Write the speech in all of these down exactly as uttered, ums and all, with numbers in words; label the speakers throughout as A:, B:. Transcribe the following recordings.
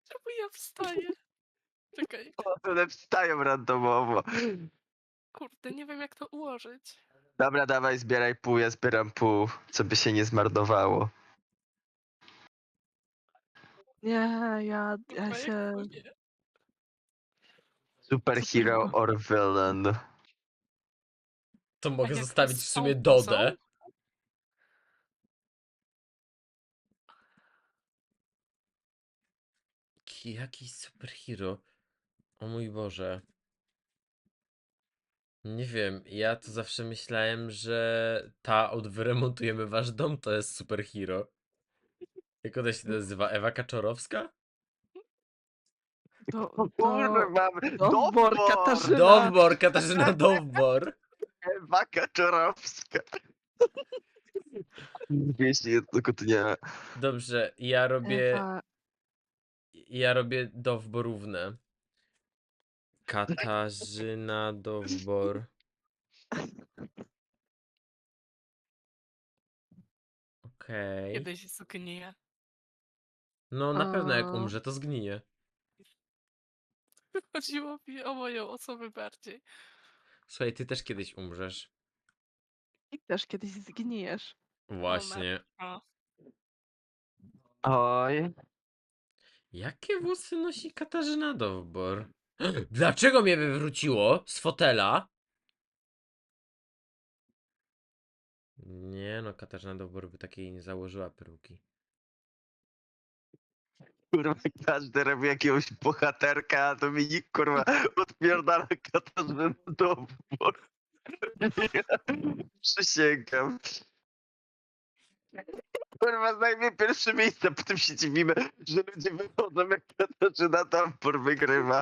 A: Czemu ja wstaję? Czekaj,
B: One wstają randomowo.
A: kurde, nie wiem jak to ułożyć.
B: Dobra, dawaj, zbieraj pół, ja zbieram pół, co by się nie zmarnowało.
C: Nie, ja, ja
A: Kurwa, jak
C: się...
A: to nie?
B: Superhero
C: Super.
B: or villain.
D: To
A: A
D: mogę
A: jak
D: zostawić
A: z
D: w sumie
A: tą
D: Dodę.
A: pozą?
D: Ki- Jakiś superhero. O mój Boże. Nie wiem, ja to zawsze myślałem, że ta od wyremontujemy wasz dom to jest superhero. Jak ona się nazywa? Ewa Kaczorowska?
C: To,
B: O
C: to...
B: kurwa,
C: Dowbor,
B: Dowbor!
C: Katarzyna.
D: Dowbor, Katarzyna Dowbor.
B: Ewa Kaczorowska. Jeśli jest tylko to nie.
D: Dobrze, ja robię.
C: Ewa...
D: Ja robię Dowborówne. Katarzyna Dowbor. Okej.
A: Kiedyś zgniję.
D: No na pewno jak
C: A,
D: umrze, to zgnije.
A: Chodziło mi o moją osobę bardziej.
D: Słuchaj, ty też kiedyś umrzesz.
C: I też kiedyś zgnijesz.
D: Właśnie.
A: O,
B: Oj.
D: Jakie włosy nosi Katarzyna Dowbor? Dlaczego mnie wywróciło z fotela? Nie no, Katarzyna Dowbor by takiej nie założyła peruki.
B: Kurwa, każdy robi jakiegoś bohaterka, a Dominik kurwa odpierdala Katarzynę Dowbor. Przysięgam. Kurwa, zajmie pierwsze miejsce, potem się dziwimy, że ludzie wychodzą jak Katarzyna Dowbor wygrywa.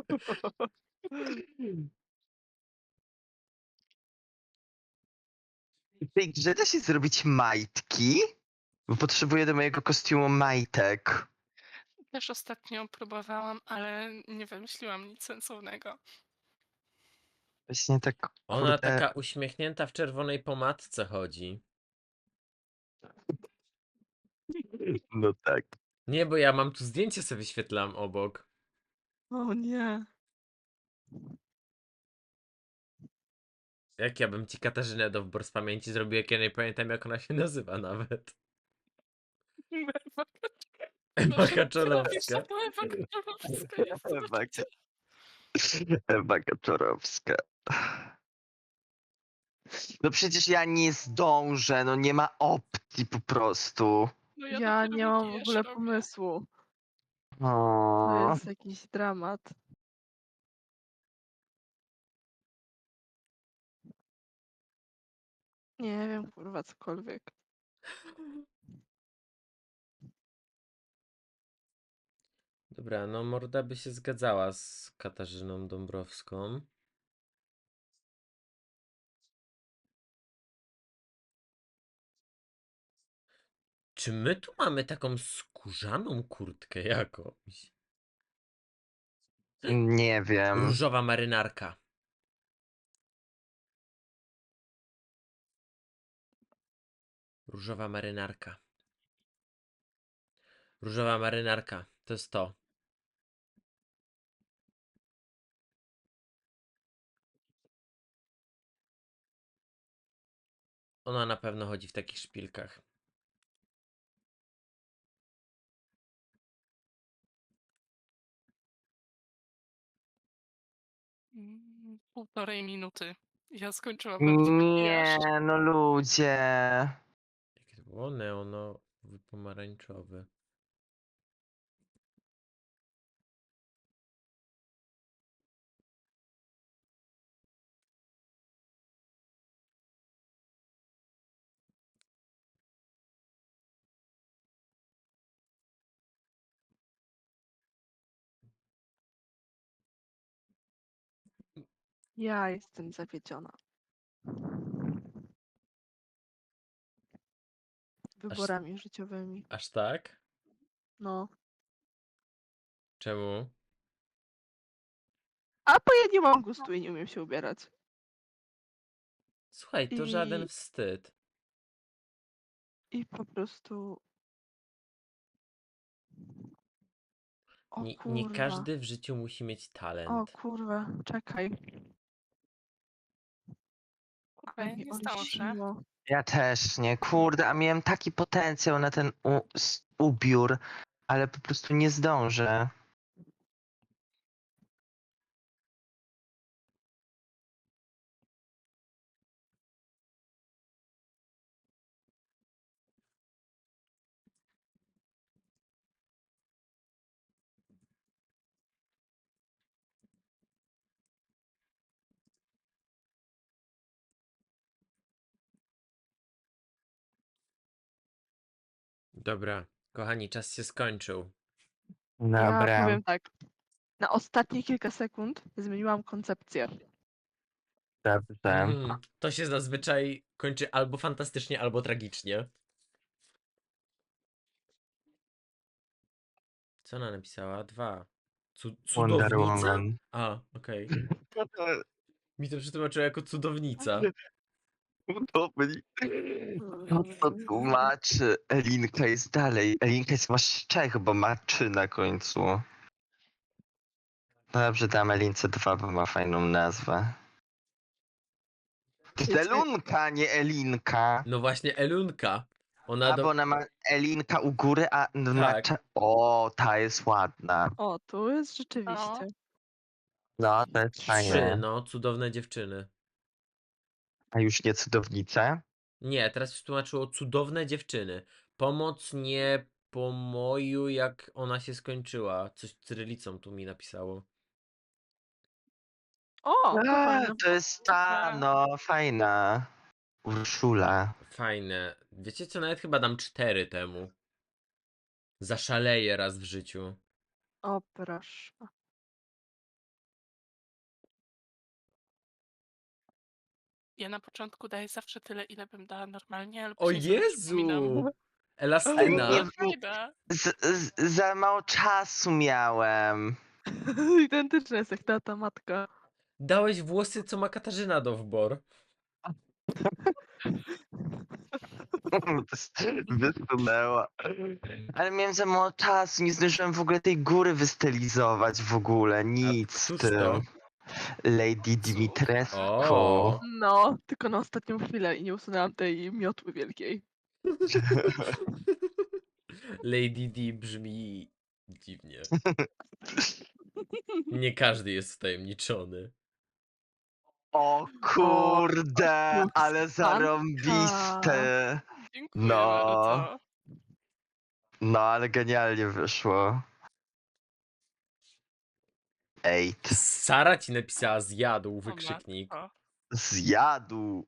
B: W tej grze da się zrobić majtki? Bo potrzebuję do mojego kostiumu majtek.
A: też ostatnio próbowałam, ale nie wymyśliłam nic sensownego.
B: Właśnie tak,
D: Ona
B: kurde...
D: taka uśmiechnięta w czerwonej pomadce chodzi.
B: No tak.
D: Nie, bo ja mam tu zdjęcie sobie wyświetlam obok.
C: O nie.
D: Jak ja bym ci Katarzynę Dowbor z pamięci zrobił, jak ja nie pamiętam jak ona się nazywa nawet. Ewa
A: Boże,
D: Kaczorowska.
A: to Ewa Kaczorowska jest.
B: Ewa, Ewa Kaczorowska. No przecież ja nie zdążę, no nie ma opcji po prostu.
A: No ja,
C: Ja
A: dopiero
C: nie mam w
A: makijaż
C: ogóle
A: robię.
C: pomysłu. To
B: O,
C: jest jakiś dramat. Nie wiem, kurwa, cokolwiek.
D: Dobra, no Morda by się zgadzała z Katarzyną Dąbrowską. Czy my tu mamy taką skórzaną kurtkę jakąś?
B: nie wiem.
D: Różowa marynarka. Różowa marynarka. Różowa marynarka. To jest to. Ona na pewno chodzi w takich szpilkach.
A: Mm, Półtorej minuty. Ja skończyłabym makijaż.
B: Nie, no ludzie.
D: Jakie to było? Neonowy pomarańczowy.
C: Ja jestem zawiedziona. Wyborami życiowymi.
D: Aż tak?
C: No.
D: Czemu?
C: A bo ja nie mam gustu i nie umiem się ubierać.
D: Słuchaj, to
C: I-
D: żaden wstyd.
C: I po prostu... O
D: Nie, nie
C: kurwa.
D: każdy w życiu musi mieć
C: O
D: talent.
C: kurwa, czekaj.
A: Kurwa,
C: Ale
A: ja
C: mi
A: nie zdążę.
C: olśniło.
B: Ja też nie, kurde, a miałem taki potencjał na ten u, s- ubiór, ale po prostu nie zdążę.
D: Dobra, kochani, czas się skończył.
C: Ja
B: Dobra,
C: powiem tak. Na ostatnie kilka sekund zmieniłam koncepcję.
B: dobrze.
D: Mm, to się zazwyczaj kończy albo fantastycznie, albo tragicznie. Co ona napisała? Dwa. Cu
B: Wonder
D: cudownica?
B: Woman.
D: A, okej. Mi to przetłumaczyło jako cudownica.
B: Udobni. No to tłumaczy. Elinka jest dalej. Elinka jest masz Czech, bo ma trzy na końcu. Dobrze, dam Elince dwa, bo ma fajną nazwę. To jest
C: Wiecie-
B: Elunka, nie Elinka.
D: No właśnie, Elunka. Ona
B: A
D: do...
B: bo ona ma Elinka u góry, a ma
D: Tak.
B: cze- O, ta jest ładna.
C: O, tu jest rzeczywiście.
B: No, to jest
D: Trzy,
B: fajne.
D: no, cudowne dziewczyny.
B: A już nie cudownice?
D: Nie, teraz przetłumaczyło cudowne dziewczyny. Pomoc nie pomoju, jak ona się skończyła. Coś cyrylicą tu mi napisało.
C: O, to
B: A,
C: fajne.
B: to jest ta,
A: Dobra.
B: no, fajna. Urszula.
D: Fajne. Wiecie co, nawet chyba dam cztery temu. Zaszaleję raz w życiu.
C: O, proszę.
A: Ja na początku daję zawsze tyle, ile bym dała normalnie, ale
D: O
A: później sobie przypominam.
D: Jezu!
B: Ale
D: Elastyna!
B: nie,
A: No, fajna.
B: z, z, za mało czasu miałem.
C: Identyczne jest jak tata, matka.
D: Dałeś włosy, co ma Katarzyna Dowbor.
B: Wysunęła. Ale miałem za mało czasu, nie zdążyłem w ogóle tej góry wystylizować w ogóle, nic z
D: któż
B: tym.
D: to?
B: Lady Dimitrescu.
D: O.
C: No, tylko na ostatnią chwilę i nie usunęłam tej miotły wielkiej.
D: Lady D brzmi dziwnie. Nie każdy jest wtajemniczony.
B: O kurde,
C: Luxanka.
B: ale zarąbiste.
A: Dziękuję
B: No.
A: bardzo.
B: No, ale genialnie wyszło. Eight.
D: Sara ci napisała zjadł,
A: O
D: wykrzyknik.
A: matko.
B: Zjadł.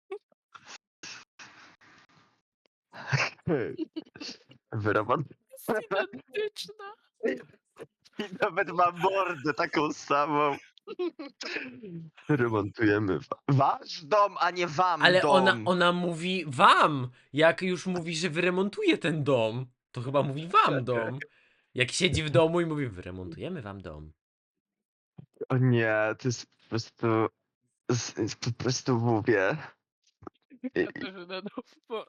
B: Wyrobot.
A: Jest identyczna.
B: I nawet ma mordę taką samą. Remontujemy wa- wasz dom, a nie wam
D: Ale
B: dom.
D: ona, ona mówi wam! Jak już mówi, że wyremontuje ten dom, to chyba mówi wam dom. Jak siedzi w domu i mówi, wyremontujemy wam dom.
B: O nie, to jest po prostu... z- z- Po prostu mówię.
A: Katarzyna Dowbor.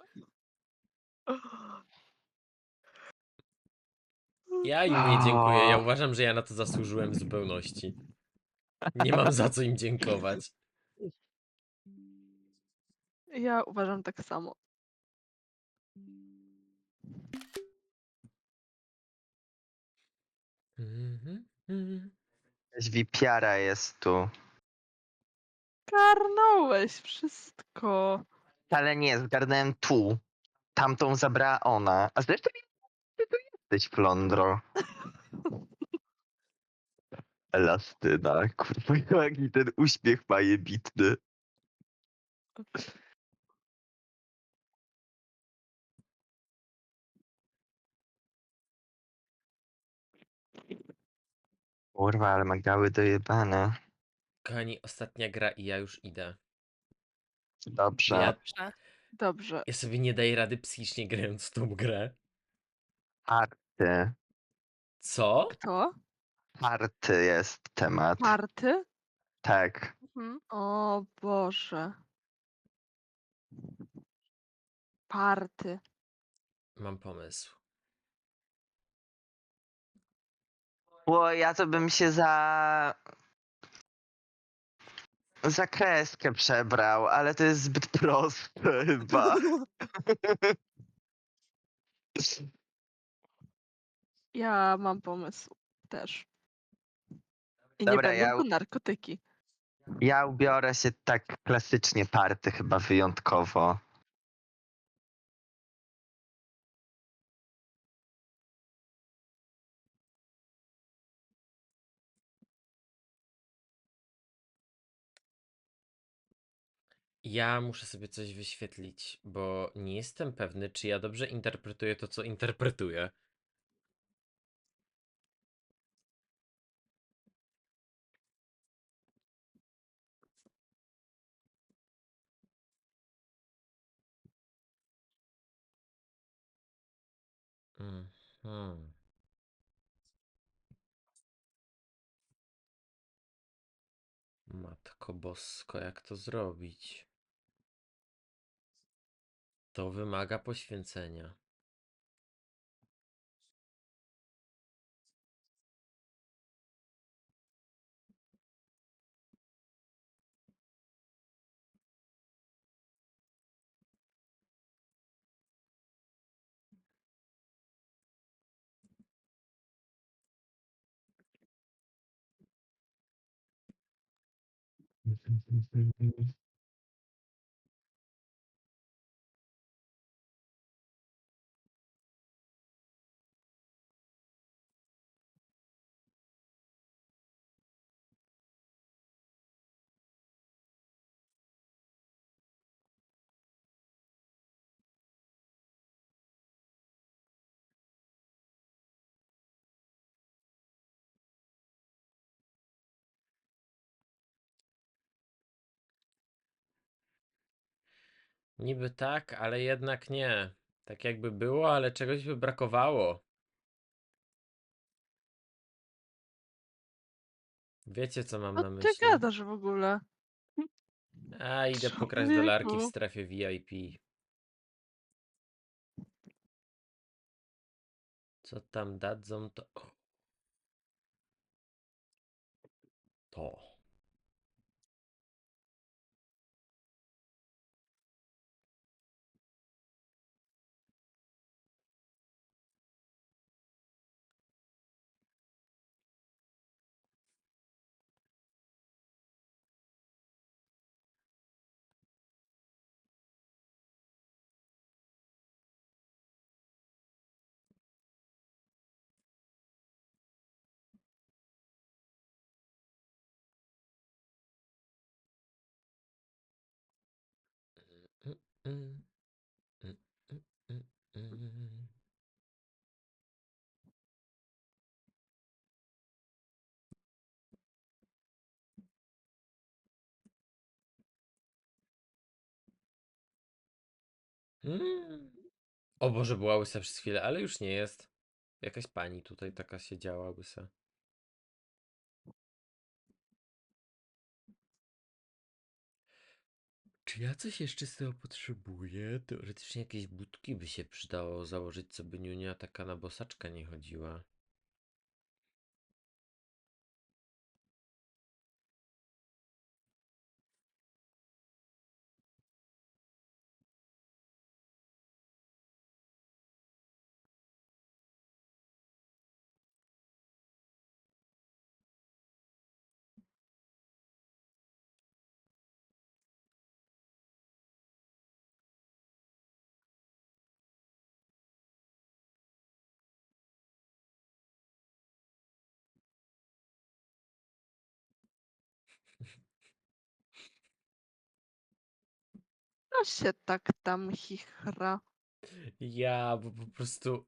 D: Ja im nie dziękuję, ja uważam, że ja na to zasłużyłem w zupełności. Nie mam za co im dziękować.
C: Ja uważam tak samo.
D: Mhm, mhm.
B: Jakaś wipiara jest tu.
C: Karnąłeś wszystko.
B: Ale nie, zgarnąłem tu. Tamtą zabrała ona. A zresztą ty tu jesteś, Flondro. Elastyna, kurwa, jaki ten uśmiech ma jebitny. Kurwa, ale ma gały dojebane.
D: Kochani, ostatnia gra i ja już idę.
B: Dobrze.
D: Ja,
A: Dobrze.
C: Dobrze.
D: ja sobie nie daję rady psychicznie grając w tą grę.
B: Party.
D: Co?
C: Kto?
B: Party jest temat.
C: Marty?
B: Tak.
A: Mhm.
C: O Boże. Party.
D: Mam pomysł.
B: Bo ja to bym się za... za kreskę przebrał, ale to jest zbyt proste chyba.
C: Ja mam pomysł też. I nie
B: Dobra,
C: będą
B: ja,
C: to narkotyki.
B: ja ubiorę się tak klasycznie party chyba wyjątkowo.
D: Ja muszę sobie coś wyświetlić, bo nie jestem pewny, czy ja dobrze interpretuję to, co interpretuję. Mhm. Matko Bosko, jak to zrobić? To wymaga poświęcenia. Niby tak, ale jednak nie. Tak jakby było, ale czegoś by brakowało. Wiecie, co mam
C: O
D: na
C: ty
D: myśli?
C: gadasz w ogóle?
D: A, idę pokraść dolarki w
C: Człowieku.
D: strefie V I P. Co tam dadzą, to... To. Mm, mm, mm, mm, mm, mm. Mm. O Boże, była łysa przez chwilę, ale już nie jest. Jakaś pani tutaj taka siedziała łysa. Czy ja coś jeszcze z tego potrzebuję? Teoretycznie jakieś budki by się przydało założyć, co by Niunia taka na bosaczka nie chodziła.
C: No się tak tam chichra.
D: Ja, bo po prostu...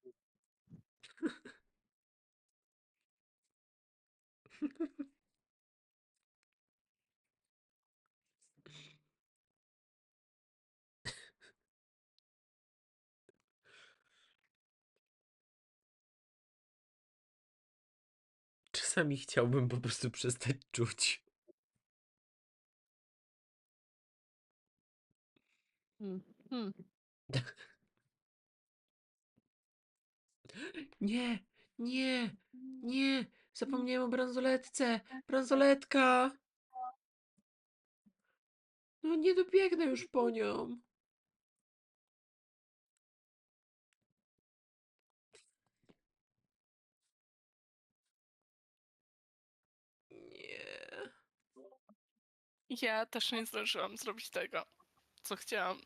D: Czasami chciałbym po prostu przestać czuć.
C: Hmm. Hmm.
D: Nie, nie, Nie, zapomniałem o bransoletce. Bransoletka! No nie dobiegnę już po nią. Nie.
A: Ja też nie zdążyłam zrobić tego, co chciałam.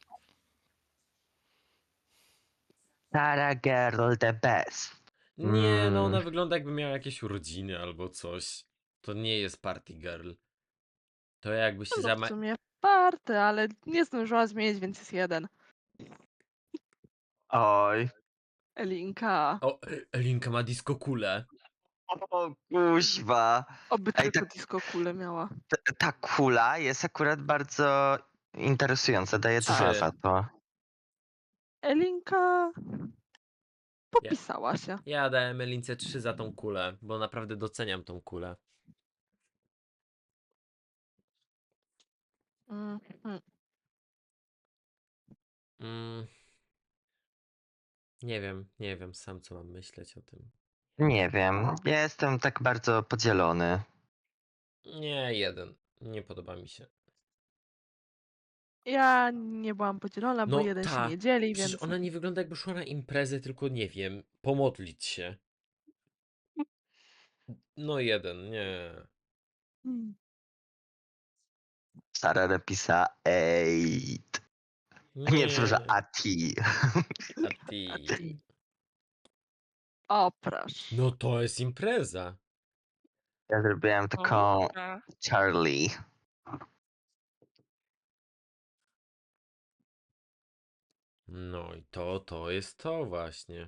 B: Tara girl the best.
D: Nie, no ona
B: Mm.
D: wygląda jakby miała jakieś urodziny albo coś. To nie jest party girl. To jakby się
C: No w
D: zama...
C: sumie party, ale nie zdążyła zmienić, więc jest jeden.
B: Oj.
C: Elinka.
D: O, Elinka ma disco kulę.
B: O kuźwa.
C: Oby
B: Ej,
C: tylko
B: tak-
C: disco kulę miała.
B: T- Ta kula jest akurat bardzo interesująca. Daję dwa
D: Trzy.
B: za to.
C: Elinka popisała się.
D: Ja dałem Elince trzy za tą kulę, bo naprawdę doceniam tą kulę.
C: Mhm.
D: Mm. Nie wiem, nie wiem sam co mam myśleć o tym.
B: Nie wiem. Ja jestem tak bardzo podzielony.
D: Nie, jeden. Nie podoba mi się.
C: Ja nie byłam podzielona, bo
D: No
C: jeden się
D: ta,
C: nie dzieli,
D: Przecież
C: więc...
D: ona nie wygląda jakby szła na imprezę, tylko nie wiem, pomodlić się. No jeden, nie.
C: Hmm.
B: Sara napisała eight. Nie, przepraszam, Ati.
D: A ty.
C: O, proszę.
D: No to jest impreza.
B: Ja zrobiłem taką
A: Dobra.
B: Charlie.
D: No i to, to jest to właśnie.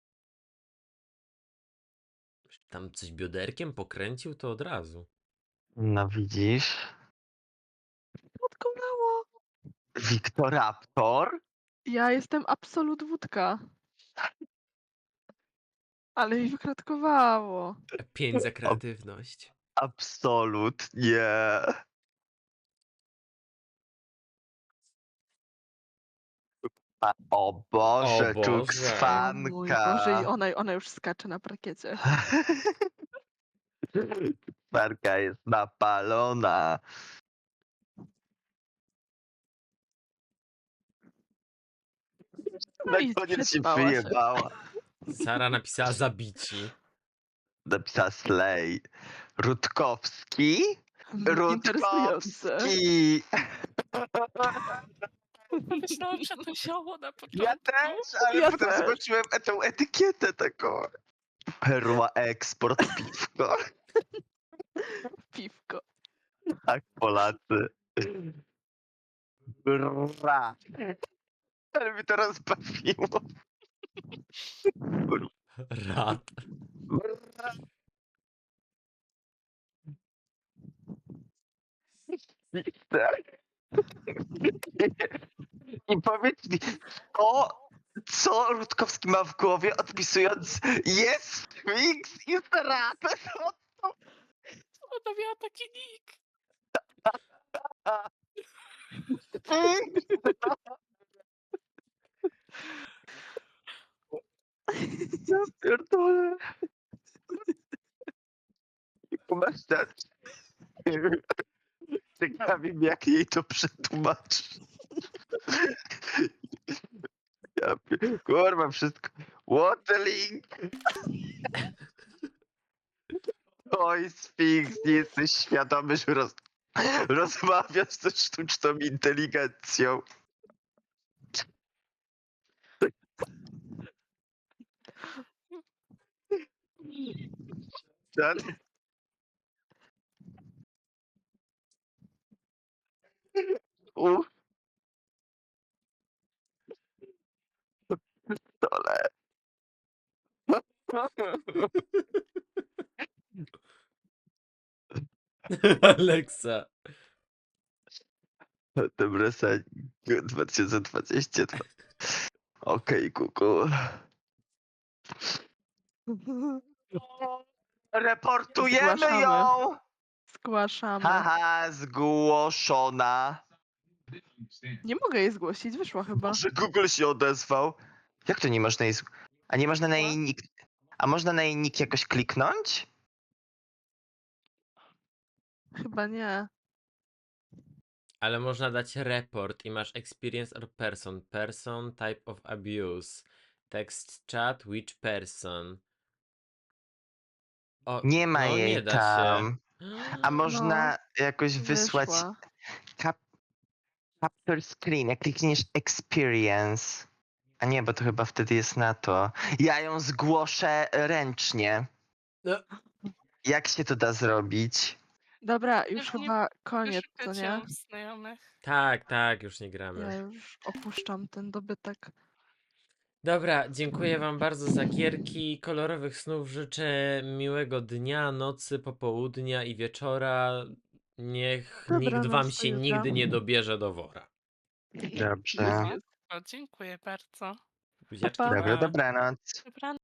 D: Tam coś bioderkiem pokręcił, to od razu.
B: No widzisz?
C: Odkolało.
B: Wiktoraptor?
C: Ja jestem absolut wódka. Ale mi wykratkowało.
D: Pięć za kreatywność.
B: Absolut nie. A, o Boże,
D: O Boże.
C: O mój
B: czukrsfanka.
C: Boże, i ona, ona już skacze na parkiecie.
B: Czukrsfanka jest napalona.
C: No
B: Na
C: i
B: koniec się
C: przespała się.
B: wyjebała.
D: Sara napisała zabici.
B: Napisała Slay. Rutkowski?
C: Interesujące.
B: Rutkowski!
A: Myślałam, że to zioło na początku.
B: Ja też, ale
C: Ja
B: potem
C: też.
B: zobaczyłem tą etykietę taką. Perła Eksport piwko.
C: Piwko.
B: Tak, Polacy. Bra. Ale mi to rozbawiło.
D: Rad.
B: Bra. I powiedz mi, co, co Rutkowski ma w głowie, odpisując jest Twix i Rapę?
A: Ona miała taki nick.
B: Ja pierdolę. Masz tak. Ciekawi mnie, jak jej to przetłumaczy. Ja pier... Kurwa, wszystko. What the link? Oj, Sphinx, nie jesteś świadomy, że roz... rozmawiasz ze sztuczną inteligencją. Ten... Uff. Dole.
D: Aleksa.
B: Dobra, dwa tysiące dwudziesty dwa. Okej, kuku. Reportujemy
C: Zgłaszamy.
B: ją!
C: Zgłaszamy.
B: Haha, zgłoszona.
C: Nie mogę jej zgłosić, wyszła chyba.
B: Może Google się odezwał. Jak to nie można jej... zg- A nie można na jej nick... A można na jej nick jakoś kliknąć?
C: Chyba nie.
D: Ale można dać report i masz experience or person. Person, type of abuse. Text chat, which person. O,
B: Nie ma
D: no nie
B: jej
D: da się.
B: tam. A można jakoś wysłać
C: Wyszła.
B: cap capture screen, jak klikniesz experience. A nie, bo to chyba wtedy jest na to. Ja ją zgłoszę ręcznie.
D: No.
B: Jak się to da zrobić?
C: Dobra, już
A: Nie
C: chyba koniec, co
A: Wyszukać
C: nie?
A: ją w znajomych.
D: Tak, tak, już nie
C: Ja
D: gramy.
C: już opuszczam ten dobytek.
D: Dobra, dziękuję wam bardzo za gierki. Kolorowych snów życzę miłego dnia, nocy, popołudnia i wieczora. Niech nikt
C: Dobranoc,
D: wam
C: do
D: się
C: jutra.
D: nigdy nie dobierze do wora.
B: Dobrze.
C: Już jest.
A: O, dziękuję bardzo.
D: Buziaczki,
C: pa.
B: Dobra,
D: pa.
B: dobranoc.
A: Dobranoc.